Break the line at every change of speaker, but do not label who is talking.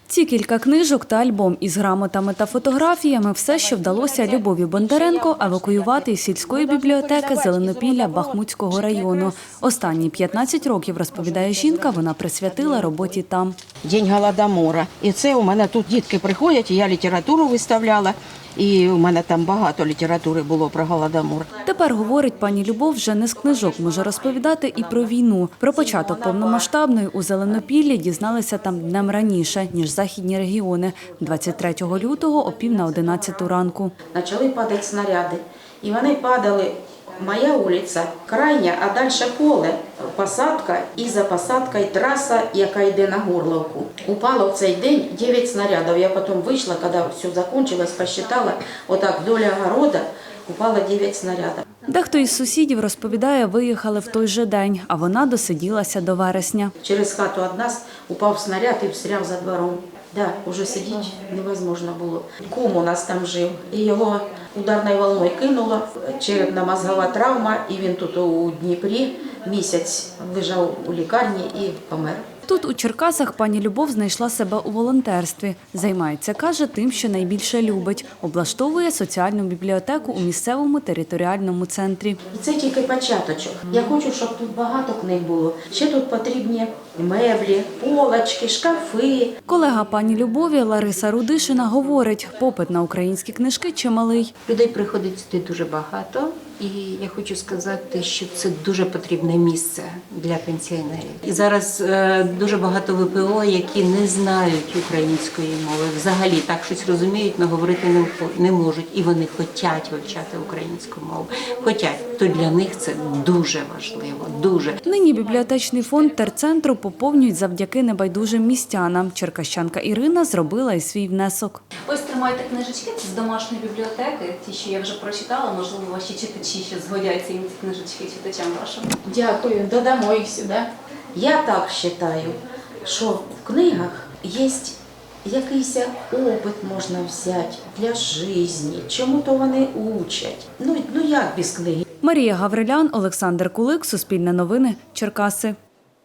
Ці кілька книжок та альбом із грамотами та фотографіями – все, що вдалося Любові Бондаренко евакуювати із сільської бібліотеки Зеленопілля Бахмутського району. Останні 15 років, розповідає жінка, вона присвятила роботі там.
День Голодомора. І це у мене тут дітки приходять, і я літературу виставляла. І у мене там багато літератури було про Голодомор.
Тепер, говорить пані Любов, вже не з книжок може розповідати і про війну. Про початок повномасштабної у Зеленопіллі дізналися там днем раніше, ніж західні регіони – 23 лютого о 10:50 ранку.
Почали падати снаряди, і вони падали. Моя вулиця крайня, а далі поле, посадка і за посадкою траса, яка йде на Горловку. Упало в цей день 9 снарядів. Я потім вийшла, коли все закінчилось, посчитала, отак вдоль огорода упало 9 снарядів.
Дехто із сусідів, розповідає, виїхали в той же день, а вона досиділася до вересня.
Через хату від нас упав снаряд і встряв за двором. Да, уже сидіти невозможно було. Кум у нас там жив, і його ударною волною кинуло, черепно-мозгова травма, і він тут у Дніпрі місяць лежав у лікарні і помер.
Тут у Черкасах пані Любов знайшла себе у волонтерстві. Займається, каже, тим, що найбільше любить. Облаштовує соціальну бібліотеку у місцевому територіальному центрі.
І це тільки початочок. Я хочу, щоб тут багато книг було. Ще тут потрібні меблі, полочки, шкафи.
Колега пані Любові Лариса Рудишина говорить, попит на українські книжки чималий.
Людей приходить сюди дуже багато, і я хочу сказати, що це дуже потрібне місце для пенсіонерів. І зараз дуже багато ВПО, які не знають української мови, взагалі так щось розуміють, але говорити не можуть. І вони хочуть вивчати українську мову. Хочуть, то для них це дуже важливо, дуже.
Нині бібліотечний фонд терцентру поповнюють завдяки небайдужим містянам. Черкащанка Ірина зробила і свій внесок.
Ось тримайте книжечки з домашньої бібліотеки, ті, що я вже прочитала, можливо, ваші читачі ще згодяться їм ці книжечки читачам вашим.
Дякую, додамо їх сюди. Я так вважаю, що в книгах є якийсь опит можна взяти для життя, чому-то вони учать. Ну як без книги?
Марія Гаврилян, Олександр Кулик, Суспільне новини, Черкаси.